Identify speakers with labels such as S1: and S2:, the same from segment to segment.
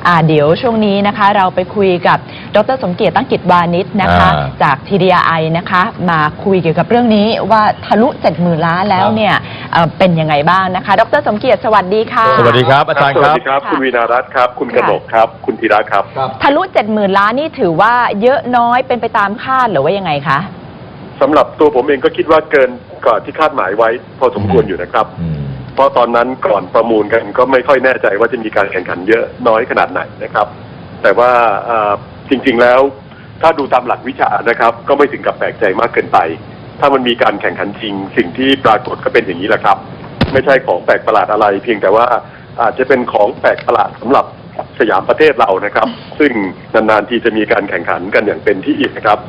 S1: เดี๋ยวช่วงนี้นะคะเราไปคุยกับดร.สมเกียรติตั้งกิจวานิชนะคะจาก TDI นะคะมาคุยเกี่ยวกับเรื่องนี้ว่าทะลุ 70,000 ล้านแล้วเนี่ยเป็นยังไงบ้างนะคะดร.สมเกียรติสวัสดีค่ะ
S2: สวัสดีครับอาจารย์ครับ
S3: สวัสดีครับคุณวีนารัตน์ครับคุณกนกครับคุณธีระครับ
S1: ทะลุ 70,000 ล้านนี่ถือว่าเยอะน้อยเป็นไปตามคาดหรือว่ายังไงคะ
S3: สำหรับตัวผมเองก็คิดว่าเกินกว่าที่คาดหมายไว้พอสมควรอยู่นะครับเพราะตอนนั้นก่อนประมูลกันก็ไม่ค่อยแน่ใจว่าจะมีการแข่งขันเยอะน้อยขนาดไหนนะครับแต่ว่าจริงๆแล้วถ้าดูตามหลักวิชานะครับก็ไม่ถึงกับแปลกใจมากเกินไปถ้ามันมีการแข่งขันจริงสิ่งที่ปรากฏก็เป็นอย่างนี้แหละครับไม่ใช่ของแปลกประหลาดอะไรเพียงแต่ว่าอาจจะเป็นของแปลกประหลาดสำหรับสยามประเทศเรานะครับซึ่งนานๆทีจะมีการแข่งขันกันอย่างเป็นที่อีกนะครับ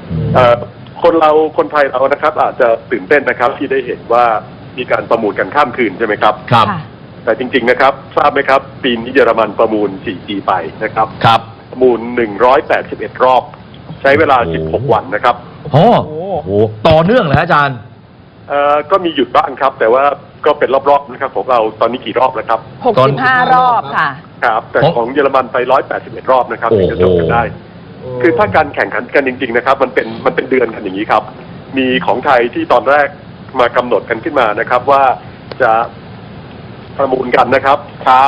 S3: คนไทยเรานะครับอาจจะตื่นเต้นนะครับที่ได้เห็นว่ามีการประมูลกันข้ามคืนใช่ไหมครับ
S2: ครับ
S3: แต่จริงๆนะครับทราบไหมครับปีนี้เยอรมันประมูล 4G ไปนะครับ
S2: ครับ
S3: ประมูล181รอบใช้เวลา16วันนะครับ
S2: โอ้โหต่อเนื่องเหรออาจารย์
S3: ก็มีหยุดบ้างครับแต่ว่าก็เป็นรอบๆนะครับของเราตอนนี้กี่รอบแล้วครับ
S1: 65 รอบค่ะ
S3: ครับแต่ของเยอรมันไป181รอบนะครับถึงจะจบกันได้คือถ้าการแข่งขันกันจริงๆนะครับมันเป็นเดือนกันอย่างนี้ครับมีของไทยที่ตอนแรกมากำหนดกันขึ้นมานะครับว่าจะประมูลกันนะครับเช้า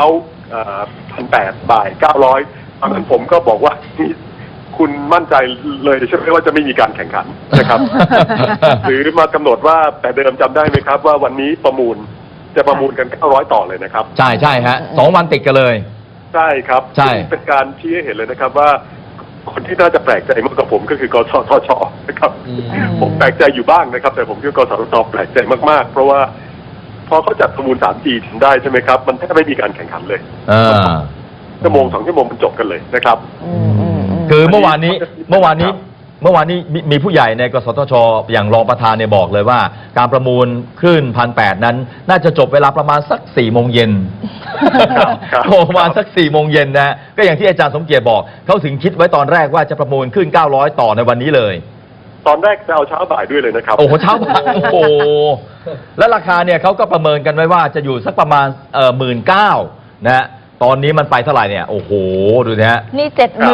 S3: 1,800 บ่าย900ตอนนั้นผมก็บอกว่าคุณมั่นใจเลยใช่ไหมว่าจะไม่มีการแข่งขันนะครับ หรือมากำหนดว่าแต่เดิมจำได้ไหมครับว่าวันนี้จะประมูลกัน900ต่อเลยนะครับ
S2: ใช่ฮะ2 วันติดกันเลย
S3: ใช่ครับ
S2: ใช่
S3: เป็นการชี้ให้เห็นเลยนะครับว่าคนที่น่าจะแปลกใจมากกว่าผมก็คือกสทช.นะครับผมแปลกใจอยู่บ้างนะครับแต่ผมคิดว่ากสทช.แปลกใจมากๆเพราะว่าพอเขาจัดประมูล 3G ถึงได้ใช่ไหมครับมันแทบไม่มีการแข่งขันเลยชั่วโมง2 ชั่วโมงมันจบกันเลยนะครับ
S2: คือเมื่อวานนี้มีผู้ใหญ่ในกสทช.อย่างรองประธานเนี่ยบอกเลยว่าการประมูลคลื่น 1,800 นั้นน่าจะจบเวลาประมาณสัก 4 โมงเย็นประมาณสัก 4 โมงเย็นนะก็อย่างที่อาจารย์สมเกียรติบอกเขาถึงคิดไว้ตอนแรกว่าจะประมูลคลื่น900ต่อในวันนี้เลย
S3: ตอนแรกจะเอาเช้าบ่ายด้วยเลยนะครับ
S2: โอ้โหเช้าบ่ายโอ้โหและราคาเนี่ยเขาก็ประเมินกันไว้ว่าจะอยู่สักประมาณ19,000นะตอนนี้มันไปเท่าไหร่เนี่ยโอ้โหดูนะฮะ
S1: นี่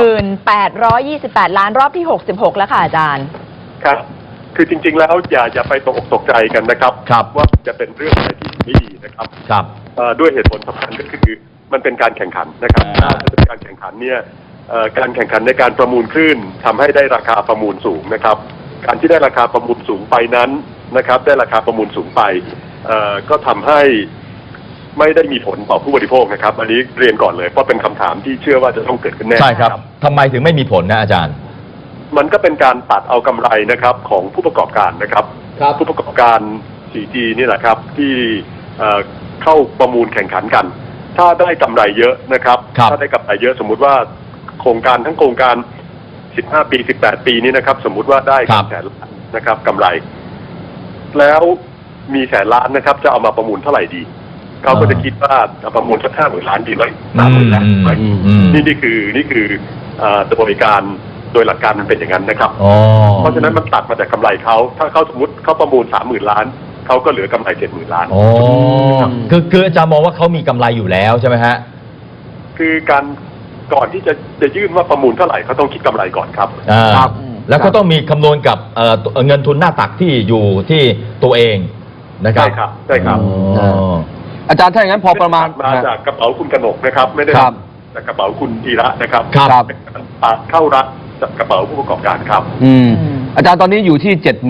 S1: 7,828 ล้านรอบที่66แล้วค่ะอาจารย์
S3: ครับคือจริงๆแล้วอย่าไปตกใจกันนะครับว่าจะเป็นเรื่องอะไรที่ไม่ดีนะครับด้วยเหตุผลสำคัญก็คือมันเป็นการแข่งขันนะครับถ้าเป็นการแข่งขันเนี่ยการแข่งขันในการประมูลคลื่นทำให้ได้ราคาประมูลสูงนะครับการที่ได้ราคาประมูลสูงไปนั้นนะครับได้ราคาประมูลสูงไปก็ทำให้ไม่ได้มีผลต่อผู้บริโภคนะครับอันนี้เรียนก่อนเลยเพราะเป็นคำถามที่เชื่อว่าจะต้องเกิดขึ้นแน่
S2: ใช่ครับทำไมถึงไม่มีผลนะอาจารย์
S3: มันก็เป็นการตัดเอากำไรนะครับของผู้ประกอบการนะครับผู้ประกอบการ 4G นี่แหละครับที่เข้าประมูลแข่งขันกันถ้าได้กำไรเยอะนะครับถ้าได้กำไรเยอะสมมุติว่าโครงการทั้งโครงการ15 ปี18 ปีนี้นะครับสมมุติว่าได้100,000 ล้านนะครับกำไรแล้วมี100,000 ล้านนะครับจะเอามาประมูลเท่าไหร่ดีเขาก็จะคิดว่าประมูลสัก50,000 ล้านดีไหม30,000 ล้านนี่คือโดยการโดยหลักการมันเป็นอย่างนั้นนะครับเพราะฉะนั้นมันตัดมาจากกำไรเขาถ้าเขาสมมติเขาประมูล 30,000 ล้านเขาก็เหลือกำไร 70,000 ล้าน
S2: คืออาจารย์มองว่าเขามีกำไรอยู่แล้วใช่ไหมฮะ
S3: คือการก่อนที่จะยื่นว่าประมูลเท่าไหร่เขาต้องคิดกำไรก่อนครับ
S2: แล้วก็ต้องมีคำนวณกับเงินทุนหน้าตักที่อยู่ที่ตัวเองนะครับ
S3: ใช่ครับ
S4: อาจารย์ถ้าอย่างนั้นพอประมาณ
S3: มาจากกระเป๋าคุณกนกนะครับไม่ได้จากกระเป๋าคุณธีระนะครับเข้ารัฐจากกระเป๋าผู้ประกอบการครับ
S4: อาจารย์ตอนนี้อยู่ที่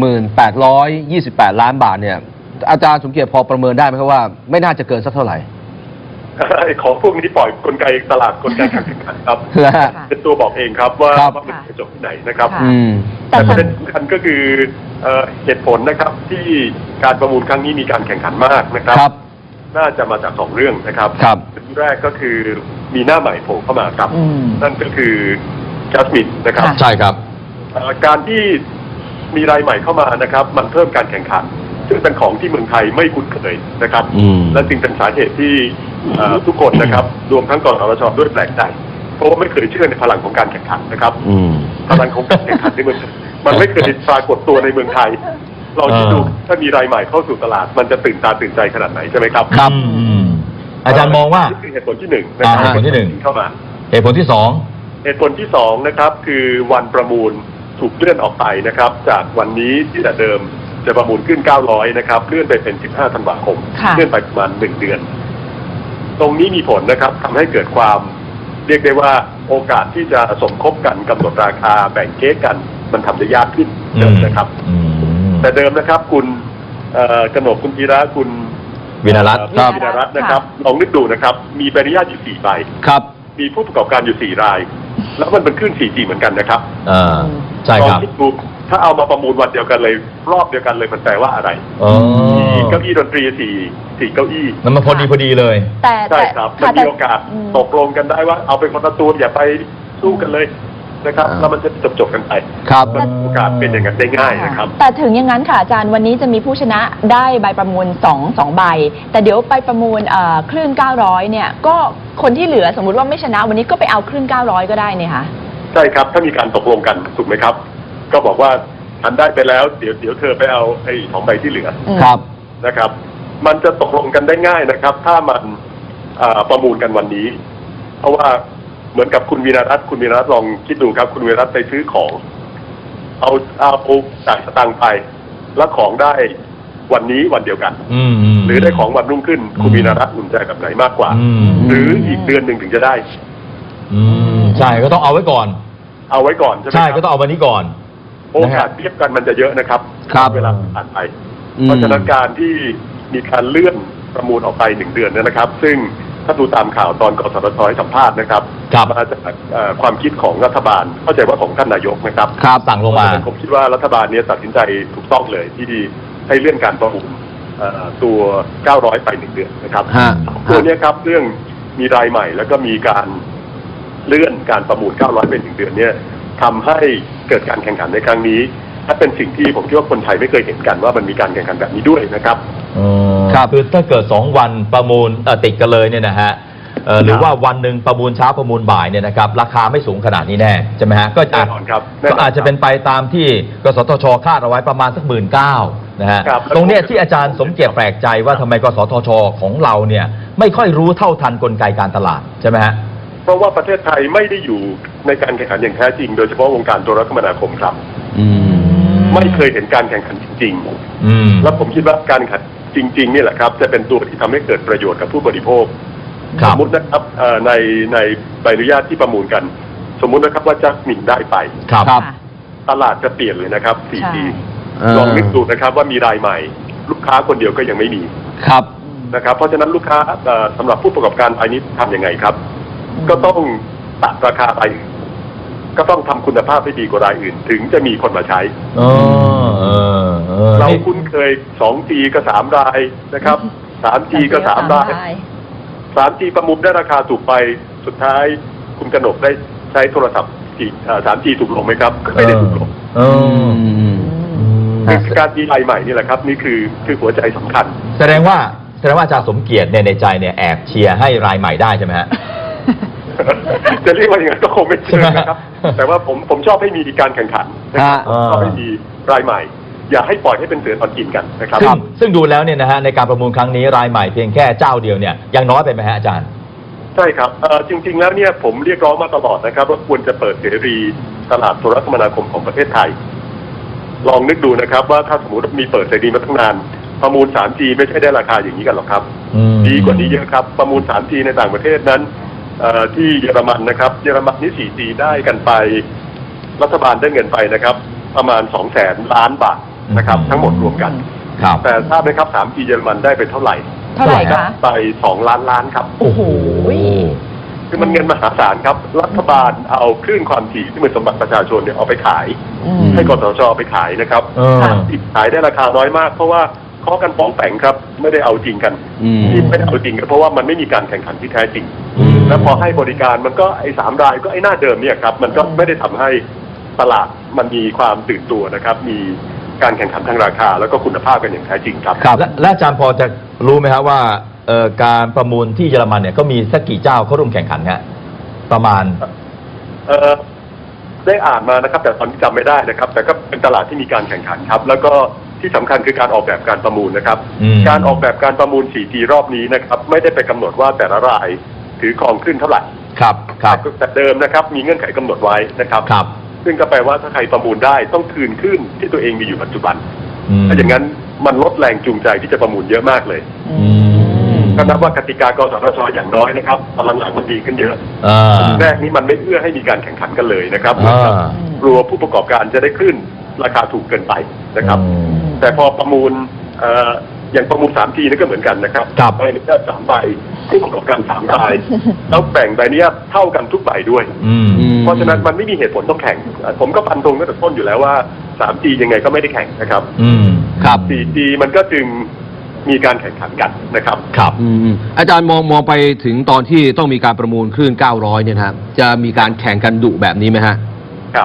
S4: 7,828 ล้านบาทเนี่ยอาจารย์สมเกียรติพอประเมินได้ไหมครับว่าไม่น่าจะเกินสักเท่าไหร่
S3: ของพวกนี้ปล่อยกลไกตลาดกลไกการแข่งขันครับเป็นตัวบอกเองครับว่ามันจะจบที่ไหนนะครับแต่ประเด็นสำคัญก็คือเหตุผลนะครับที่การประมูลครั้งนี้มีการแข่งขันมากนะครับน่าจะมาจาก2 เรื่องนะครับเรื่องแรกก็คือมีหน้าใหม่โผล่เข้ามาครับนั่นก็คือจัสมินนะครับ
S2: ใช่ครับ
S3: การที่มีรายใหม่เข้ามานะครับมันเพิ่มการแข่งขันซึ่งเป็นของที่เมืองไทยไม่คุ้นเคยนะครับและจึงเป็นสาเหตุที่ทุกคนนะครับรวมทั้งกสทช.ด้วยแปลกใจเพราะว่าไม่เคยเชื่อในพลังของการแข่งขันนะครับพลังของการแข่งขันในเมืองมันไม่เคยปรากฏตัวในเมืองไทยลองคิดดูถ้ามีรายใหม่เข้าสู่ตลาดมันจะตื่นตาตื่นใจขนาดไหนใช่ไหมครับ
S2: อาจารย์มองว่า
S3: นี่คือเหตุผลที่1นะครับ
S2: เหตุผลที่1
S3: เข้ามา
S2: เหตุผลที่สอง
S3: เหตุผลที่สองนะครับคือวันประมูลถูกเลื่อนออกไปนะครับ จากวันนี้ที่แต่เดิมจะประมูลขึ้น 900 นะครับเลื่อนไปเป็น 15 ธันวาคม
S1: ค่ะ
S3: เลื่อนไปประมาณ 1 เดือน ตรงนี้มีผลนะครับทำให้เกิดความเรียกได้ว่าโอกาสที่จะสมคบกันกำหนดราคาแบ่งเค้กกันมันทำได้ยากขึ้นเดิมนะครับ แต่เดิมนะครับคุณกนกคุณธีระคุณ
S2: วินารัตน์
S3: วินารัตน์นะครับลองนึกดูนะครับมีใบอนุญาตอยู่4 ใบ
S4: ครับ
S3: มีผู้ประกอบการอยู่4 ราย แล้วมันเป็นคลื่น 4G เหมือนกันนะครับ
S2: ใช่ครับ
S3: ลองคิดดูถ้าเอามาประมูลวันเดียวกันเลยรอบเดียวกันเลยมันแปลว่าอะไร
S2: อ๋อ
S3: มีเก้าอี้ดนตรี4 เก้าอี้
S2: นั่นมันพอดีเลย
S1: แต่
S3: ใช่ครับมันมีโอกาสตกลงกันได้ว่าเอาเป็นคนละตัวอย่าไปสู้กันเลยนะครับแล้วมันจะจบกันไป
S4: ครับ
S3: มันโอกาสเป็นอย่างนั้นได้ง่ายนะครับ
S1: แต่ถึงอย่างนั้นค่ะอาจารย์วันนี้จะมีผู้ชนะได้ใบประมูล2 ใบ แต่เดี๋ยวไปประมูลคลื่น 900 เนี่ยก็คนที่เหลือสมมุติว่าไม่ชนะวันนี้ก็ไปเอาคลื่น 900 ก็ได้เนี่ยค่ะ
S3: ใช่ครับถ้ามีการตกลงกันถูกไหมครับ ก็บอกว่าอันได้ไปแล้วเดี๋ยวเธอไปเอาไอ้2 ใบที่เหลือ
S4: ครับ
S3: นะครับ มันจะตกลงกันได้ง่ายนะครับ ถ้ามันประมูลกันวันนี้ เพราะว่าเหมือนกับคุณวีรรัตน์ลองคิดดูครับคุณวีรรัตน์ไปซื้อของเอาจ่ายสตางค์ไปแล้วของได้วันนี้วันเดียวกัน หรือได้ของวันรุ่งขึ้นคุณวีรรัตน์อุ่นใจแบบไหนมากกว่า หรืออีกเดือนหนึ่งถึงจะได้
S2: ใช่ก็ต้องเอาไว้ก่อน
S3: เอาไว้ก่อนใช่ไหม
S2: ใช่
S3: ครับ
S2: ก็ต้องเอาวันนี้ก่อน
S3: โอกาสเทียบกันมันจะเยอะนะครับ
S4: ครับ
S3: เวลาผ่านไป เพราะฉะนั้นการที่มีการเลื่อนประมูลออกไป1 เดือนเนี่ยนะครับ ซึ่งถ้าดูตามข่าวตอนกสทช.ให้สัมภาษณ์นะครับ
S2: ครับ
S3: มาจากความคิดของรัฐบาลเข้าใจว่าของท่านนายกนะครับ
S2: ครับสั่งลงมา
S3: ผมคิดว่ารัฐบาลเนี้ตัดสินใจถูกต้องเลยที่ให้เลื่อนการประมูลตัว 900 ไป1 เดือนนะครับ
S4: ฮะ
S3: ตัวเนี้ยครับเรื่องมีรายใหม่แล้วก็มีการเลื่อนการประมูล 900 ไป1 เดือนเนี่ยทำให้เกิดการแข่งขันในครั้งนี้ถ้าเป็นสิ่งที่ผมคิดว่าคนไทยไม่เคยเห็นกันว่ามันมีการแข่งขันแบบนี้ด้วยนะครับ
S2: ครับคือถ้าเกิด2 วันประมูลติดกันเลยเนี่ยนะฮะหรือว่าวันหนึ่งประมูลเช้าประมูลบ่ายเนี่ยนะครับราคาไม่สูงขนาดนี้แน่ใช่ไหมฮะก็
S3: แน่นอนครับแน่นอนครับ
S2: อาจจะเป็นไปตามที่กสทชคาดเอาไว้ประมาณสัก19,000นะฮะ
S3: ครับ
S2: ตรงเนี้ยที่อาจารย์สมเกียรติแปลกใจว่าทำไมกสทชของเราเนี่ยไม่ค่อยรู้เท่าทันกลไกการตลาดใช่ไหมฮะ
S3: เพราะว่าประเทศไทยไม่ได้อยู่ในการแข่งขันอย่างแท้จริง โดยเฉพาะวงการโทรคมนาคมครับ ไม่เคยเห็นการแข่งขันจริงๆ แล้วผมคิดว่าการแข่งขันจริงๆนี่แหละครับจะเป็นตัวที่ทำให้เกิดประโยชน์กับผู้บริโภค
S2: ครั
S3: ส
S2: บ
S3: มมตินะครับในใบอนุญาตที่ประมูลกัน สมมุตินะครับว่าจัสมินได้ไป
S2: ครับ
S4: ครับ
S3: ตลาดจะเปลี่ยนเลยนะครับ 4G
S1: ใช่
S3: ลองนึกดูนะครับว่ามีรายใหม่ ลูกค้าคนเดียวก็ยังไม่มี
S4: ครับ
S3: นะครับ เพราะฉะนั้นลูกค้าสำหรับผู้ประกอบการรายนี้ทำยังไงครับ ก็ต้องตัดราคาไปก็ต้องทำคุณภาพให้ดีกว่ารายอื่น ถึงจะมีคนมาใช้ เราคุ้นเคย 2G ก็3 รายนะครับ 3G ก็3 ราย 3G ประมูลได้ราคาถูกไปสุดท้ายคุณกนกได้ใช้โทรศัพท์ 3G ถูกลงไหมครับไม่ได้ถูกลงคือการดีไลน์ใหม่นี่แหละครับ นี่คือหัวใจสำคัญ
S2: แสดงว่าอาจารย์สมเกียรติเนี่ยในใจเนี่ยแอบเชียร์ให้รายใหม่ได้ใช่ไหมฮะ
S3: จะเรียกว่าอย่างนั้นก็คงไม่เชิงนะครับ แต่ว่าผมชอบให้มีการแข่งขันนะครับ ชอบให้มีรายใหม่ อย่าให้ปล่อยให้เป็นเสือตอนกินกันนะครับ
S2: ซึ่งดูแล้วเนี่ยนะฮะในการประมูลครั้งนี้รายใหม่เพียงแค่เจ้าเดียวเนี่ยยังน้อยไปไหมฮะอาจารย์
S3: ใช่ครับจริงๆแล้วเนี่ยผมเรียกร้องมาตลอดนะครับว่าควรจะเปิดเสรีตลาดโทรคมนาคมของประเทศไทย ลองนึกดูนะครับว่าถ้าสมมติมีเปิดเสรีมาตั้งนานประมูล 3G ไม่ใช่ได้ราคาอย่างนี้กันหรอกครับ ดีกว่านี้เยอะครับประมูล 3G ในต่างประเทศนั้นที่เยอรมันนะครับเยอรมันนี่ 4G ได้กันไปรัฐบาลได้เงินไปนะครับประมาณ 200,000 ล้านบาทนะครับทั้งหมดรวมกัน
S2: ครับ
S3: แต่ทราบไหมครับ 3G เยอรมันได้ไปเท่าไหร่
S1: เท่าไหร่คะ
S3: ไป2 ล้านล้านครับ
S1: โอ้โห
S3: คือมันเงินมหาศาลครับรัฐบาลเอาคลื่นความถี่ที่เป็นสมบัติประชาชนเนี่ยเอาไปขาย ให้กสทชไปขายนะครับ ขายได้ราคาน้อยมาก เพราะว่าเคาะกันป้องแปงครับไม่ได้เอาจริงกันที่ไม่ได้เอาจริงกันเพราะว่ามันไม่มีการแข่งขันที่แท้จริง แล้วพอให้บริการมันก็ไอ้3 รายก็ไอ้หน้าเดิมเนี่ยครับมันก็ไม่ได้ทำให้ตลาดมันมีความตื่นตัวนะครับมีการแข่งขันทางราคาแล้วก็คุณภาพกันอย่างแท้จริงครับ
S2: และอาจารย์พอจะรู้ไหมครับว่าการประมูลที่เยอรมันเนี่ยก็มีสักกี่เจ้าเข้าร่วมแข่งขันฮะประมาณ
S3: ได้อ่านมานะครับแต่ตอนนี้จำไม่ได้นะครับแต่ก็เป็นตลาดที่มีการแข่งขันครับแล้วก็ที่สำคัญคือการออกแบบการประมูลนะครับการออกแบบการประมูล 4G รอบนี้นะครับไม่ได้ไปกำหนดว่าแต่ละรายถือครองขึ้นเท่าไหร่
S2: ครับครับ
S3: แต่เดิมนะครับมีเงื่อนไขกำหนดไว้นะครับ
S2: ครับ
S3: ซึ่งก็แปลว่าถ้าใครประมูลได้ต้องคืนขึ้นที่ตัวเองมีอยู่ปัจจุบัน ถ้าอย่างนั้นมันลดแรงจูงใจที่จะประมูลเยอะมากเลย ก็นับว่ากติกากสทช.อย่างน้อยนะครับตอนหลังๆมันดีขึ้นเยอะแรกนี้มันไม่เอื้อให้มีการแข่งขันกันเลยนะครับกลัวผู้ประกอบการจะได้ขึ้นราคาถูกเกินไปนะครับ แต่พอประมูลอย่างประมูล 3 ทีนี่ก็เหมือนกันนะครับใบอนุญาต3 ใบผู้ประกอบการ3 ใบแล้วแบ่งใบอนุญาตเท่ากันทุกใบด้วยเพราะฉะนั้นมันไม่มีเหตุผลต้องแข่งผมก็ฟันธงตั้งแต่ต้นอยู่แล้วว่า 3G ยังไงก็ไม่ได้แข่งนะครับ4G มันก็จึงมีการแข่งขันกันนะครับ
S2: ครับ
S4: อาจารย์มองไปถึงตอนที่ต้องมีการประมูลคลื่น900เนี่ยครับจะมีการแข่งกันดุแบบนี้ไหมฮะ
S3: ครับ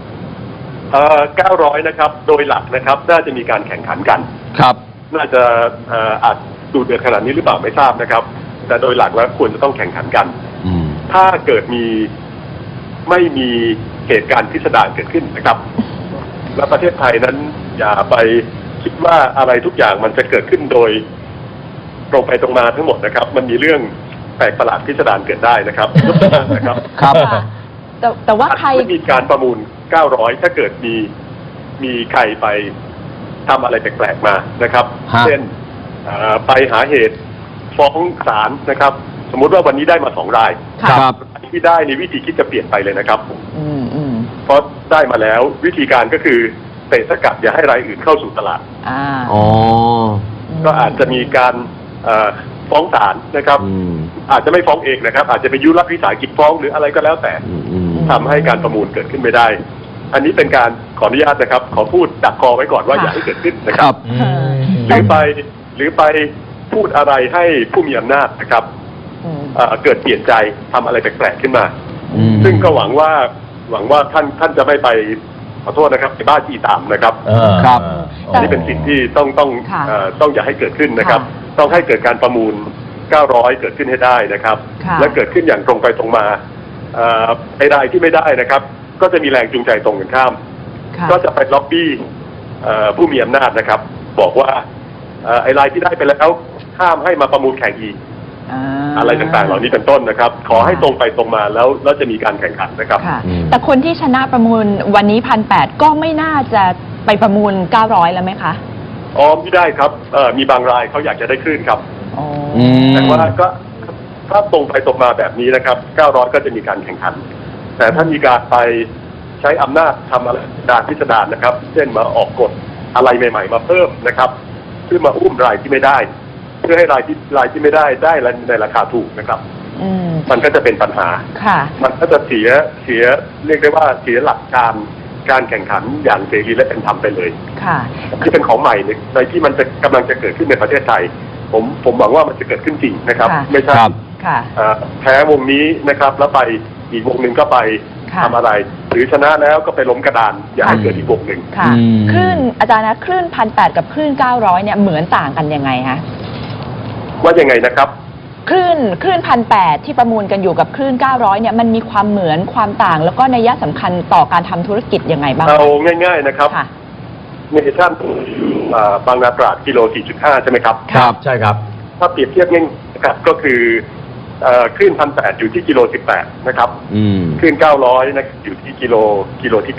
S3: 900นะครับโดยหลักนะครับน่าจะมีการแข่งขันกัน
S4: ครับ
S3: น่าจะอาจดูเดือดขนาดนี้หรือเปล่าไม่ทราบนะครับแต่โดยหลักแล้วควรจะต้องแข่งขันกันถ้าเกิดไม่มีเหตุการณ์พิสดารเกิดขึ้นนะครับและประเทศไทยนั้นอย่าไปคิดว่าอะไรทุกอย่างมันจะเกิดขึ้นโดยตรงไปตรงมาทั้งหมดนะครับมันมีเรื่องแปลกประหลาดพิสดารเกิดได้นะครับนะครับ
S4: ครับ
S1: แต่ว่าใคร
S3: มีการประมูล900ถ้าเกิดมีใครไปทำอะไรแปลกๆมานะครับเช่นไปหาเหตุฟ้องศาลนะครับสมมุติว่าวันนี้ได้มา2 รายที่ได้ในวิธีคิดจะเปลี่ยนไปเลยนะครับเพราะได้มาแล้ววิธีการก็คือเตะสกัดอย่าให้รายอื่นเข้าสู่ตลาดก็อาจจะมีการฟ้องศาลนะครับอาจจะไม่ฟ้องเองนะครับอาจจะไปยุรัฐวิสาหกิจฟ้องหรืออะไรก็แล้วแต่ทำให้การประมูลเกิดขึ้นไม่ได้อันนี้เป็นการขออนุญาตนะครับขอพูดดักคอไว้ก่อนว่าอย่าให้เกิดขึ้นนะครับหรือไปพูดอะไรให้ผู้มีอำนาจนะครับเกิดเปลี่ยนใจทำอะไรแปลกๆขึ้นมาซึ่งก็หวังว่าท่านจะไม่ไปขอโทษนะครับไปบ้าจีตามนะครับ
S4: ครับ
S3: อันนี้เป็นสิ่งที่ต้องอย่าให้เกิดขึ้นนะครับต้องให้เกิดการประมูล900เกิดขึ้นให้ได้นะครับและเกิดขึ้นอย่างตรงไปตรงมาไอ้รายที่ไม่ได้นะครับก็จะมีแรงจูงใจตรงกันข้ามก็จะไปล็อบบี้ผู้มีอำนาจนะครับบอกว่าไอ้รายที่ได้ไปแล้วห้ามให้มาประมูลแข่งอีกอะไรต่างๆเหล่านี้เป็นต้นนะครับขอให้ตรงไปตรงมาแล้วจะมีการแข่งขันนะครับ
S1: แต่คนที่ชนะประมูลวันนี้1,800ก็ไม่น่าจะไปประมูล900แล้วไหมคะ
S3: ไม่ได้ครับมีบางรายเขาอยากจะได้คลื่นครับแต่ว่าก็ถ้าตรงไปตรงมาแบบนี้นะครับ900ก็จะมีการแข่งขันแต่ถ้ามีการไปใช้อำนาจทำอะไรพิสดารนะครับเช่นมาออกกฎอะไรใหม่ๆมาเพิ่มนะครับเพื่อมาอุ้มรายที่ไม่ได้เพื่อให้รายที่ไม่ได้ในราคาถูกนะครับมันก็จะเป็นปัญหามันก็จะเสียเรียกได้ว่าเสียหลักการแข่งขันอย่างเสรีและเป็นธรรมไปเลยที่เป็นของใหม่ในที่มันจะกำลังจะเกิดขึ้นในประเทศไทยผมหวังว่ามันจะเกิดขึ้นจริงนะครับไม่ใช่แพ้วงนี้นะครับแล้วไปอีกวงหนึ่งก็ไปทำอะไรหรือชนะแล้วก็ไปล้มกระดานอย่าให้เกิดอีกวงหนึ่ง
S1: คลื่นอาจารย์นะคลื่น1,800กับคลื่น900เนี่ยเหมือนต่างกันยังไงคะ
S3: ว่ายังไงนะครับ
S1: คลื่น1,800ที่ประมูลกันอยู่กับคลื่น900เนี่ยมันมีความเหมือนความต่างแล้วก็นัยสำคัญต่อการทำธุรกิจยังไงบ้าง
S3: เอาง่ายๆนะครับเนชั่นบางนาตราดกิโล 4.5 ใช่ไหมครับ
S2: ครับใช่ครับ
S3: ถ้าเปรียบเทียบง่ายๆก็คือคลื่น1,800อยู่ที่กิโล 18นะครับคลื่น900นะอยู่ที่กิโลที่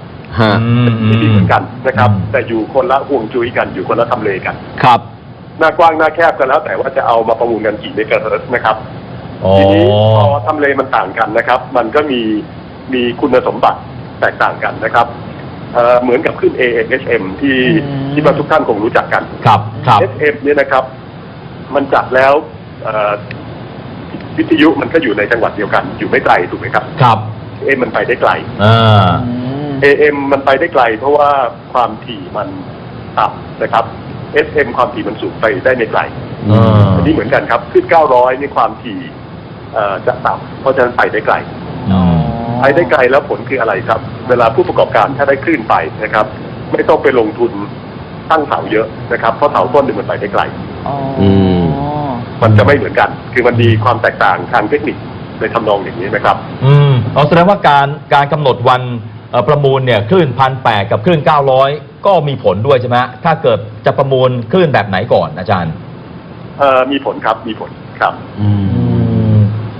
S3: 9ที่เหมือนกันนะครับแต่อยู่คนละห่วงจุ้ยกันอยู่คนละทำเลกัน
S4: ครับ
S3: หน้ากว้างหน้าแคบกันแล้วแต่ว่าจะเอามาประมูลกันกี่เมกะเฮิรตซ์นะครับทีนี้พอทำเลมันต่างกันนะครับมันก็มีคุณสมบัติแตกต่างกันนะครับเหมือนกับขึ้น AM/FM ที่ทุกท่านคงรู้จักกัน
S2: ครับ
S3: FM เนี่ยนะครับมันจัดแล้ววิทยุมันก็อยู่ในจังหวัดเดียวกันอยู่ไม่ไกลถูกไหมครับ
S2: ครับ
S3: AM มันไปได้ไกลAM มันไปได้ไกลเพราะว่าความถี่มันต่ำนะครับ FM ความถี่มันสูงไปได้ไม่ไกลอันนี้เหมือนกันครับขึ้น900นี่ความถี่จะต่ำเพราะฉะนั้นไปได้ไกลไปได้ไกลแล้วผลคืออะไรครับเวลาผู้ประกอบการถ้าได้คลื่นไปนะครับไม่ต้องไปลงทุนตั้งเสาเยอะนะครับเพราะเสาต้นหนึ่งมันไปได้ไกลมันจะไม่เหมือนกันคือมันมีความแตกต่างทางเทคนิคในทำนองอย่างนี้นะครับ
S2: แสดงว่าการกำหนดวันประมูลเนี่ยคลื่น1,800กับคลื่น900ก็มีผลด้วยใช่ไหมถ้าเกิดจะประมูลคลื่นแบบไหนก่อนอาจารย์
S3: มีผลครับมีผลครับ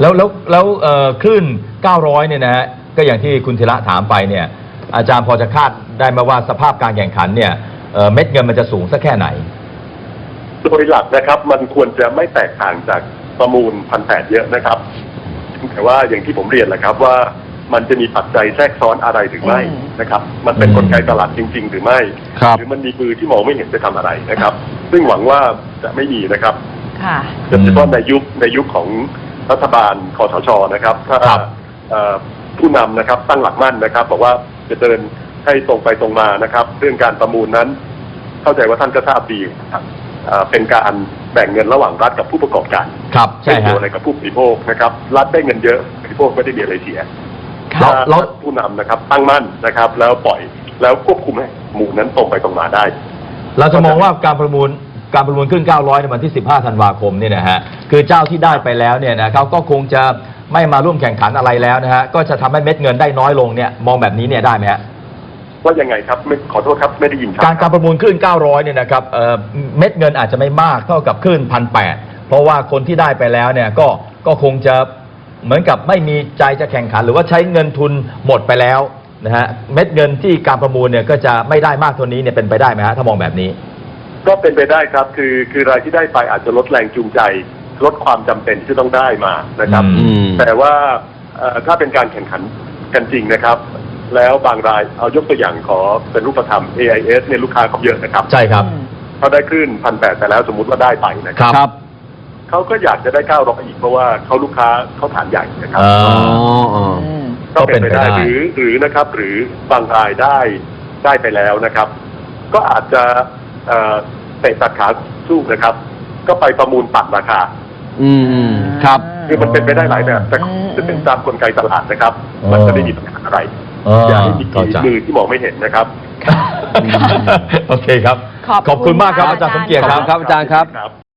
S2: แล้วคลื่น 900 เนี่ยนะฮะก็อย่างที่คุณธีระถามไปเนี่ยอาจารย์พอจะคาดได้ไหมว่าสภาพการแข่งขันเนี่ยเม็ดเงินมันจะสูงสักแค่ไหน
S3: โดยหลักนะครับมันควรจะไม่แตกต่างจากประมูล1,800เยอะนะครับแต่ว่าอย่างที่ผมเรียนแหละครับว่ามันจะมีปัจจัยแทรกซ้อนอะไรหรือไม่นะครับ มันเป็นกลไกตลาดจริง ๆ หรือไม่
S4: ครับ
S3: หรือมันมีมือที่มองไม่เห็นจะทำอะไรนะครับ ซึ่งหวังว่าจะไม่มีนะครับ
S1: ค่ะ
S3: โดยเฉพาะในยุคของรัฐบาลคสชนะครับถ้า
S2: ครับ
S3: ผู้นำนะครับตั้งหลักมั่นนะครับบอกว่าจะเดินให้ตรงไปตรงมานะครับเรื่องการประมูลนั้น เข้าใจว่าท่านก็ทราบดีครับเป็นการแบ่งเงินระหว่างรัฐกับผู้ประกอบการ
S2: ครับใช่
S3: ไม่เกี่ยว
S2: ฮะ
S3: อะไรกับผู้บริโภคนะครับ รัฐได้เงินเยอะผู้บริโภคไม่ได้มีอะไรเสีย
S1: ครับ
S3: ถ้าผู้นำนะครับตั้งมั่นนะครับ แล้วปล่อยแล้วควบคุมให้หมู่นั้นตรงไปตรงมาได้
S2: เราจะมองว่าการประมูลขึ้น 900 ในวันที่ 15 ธันวาคมเนี่ยนะฮะคือเจ้าที่ได้ไปแล้วเนี่ยนะเขาก็คงจะไม่มาร่วมแข่งขันอะไรแล้วนะฮะก็จะทำให้เม็ดเงินได้น้อยลงเนี่ยมองแบบนี้เนี่ยได้ไหมฮะ
S3: ว่ายังไงครับไม่ขอโทษครับไม่ได้ยินครับ
S2: การประมูลคลื่น 900 เนี่ยนะครับเม็ดเงินอาจจะไม่มากเท่ากับคลื่น 1,800 เพราะว่าคนที่ได้ไปแล้วเนี่ยก็คงจะเหมือนกับไม่มีใจจะแข่งขัน หรือว่าใช้เงินทุนหมดไปแล้วนะฮะเม็ดเงินที่การประมูลเนี่ยก็จะไม่ได้มากเท่านี้เนี่ยเป็นไปได้ไหมฮะถ้ามองแบบนี้
S3: ก็เป็นไปได้ครับคือรายที่ได้ไปอาจจะลดแรงจูงใจลดความจำเป็นที่ต้องได้มานะครับ
S2: อืม
S3: แต่ว่าถ้าเป็นการแข่งขันกันจริงนะครับ แล้วบางรายเอายกตัวอย่างขอเป็นรูปธรรม AIS เนี่ยลูกค้าเขาเยอะนะครับ
S2: ใช่ครับ
S3: เขาได้คลื่น1,800แต่แล้วสมมุติว่าได้ไปนะค
S2: ค
S3: รั
S2: รับ
S3: เขาก็อยากจะได้900อีกเพราะว่าเขาลูกค้าเขาฐานใหญ่นะครับ
S2: อ่า
S1: อืม
S3: ก็เป็นไปได้
S2: ก็เป็นไปได้
S3: หรือนะครับ หรือบางรายได้ไปแล้วนะครับ ก็อาจจะเตะตัดขาสู้นะครับ ก็ไปประมูลตัดราคา
S4: ครับ
S3: คือมันเป็นไปได้หลายแบบแต่จะเป็นตามกลไกตลาดนะครับ มันจะไม่มีปัญหาอะไร อย่าให้มี
S2: เข้าใจ
S3: มือที่มองไม่เห็นนะครับ
S2: โอเคครับ
S1: ขอบคุณ
S2: ขอบคุณมากครับ
S1: ค่ะ
S2: อาจารย์สมเกียรติ
S4: ขอบ
S2: ครับ
S4: คุณครับอาจารย์ครับ
S3: ครับ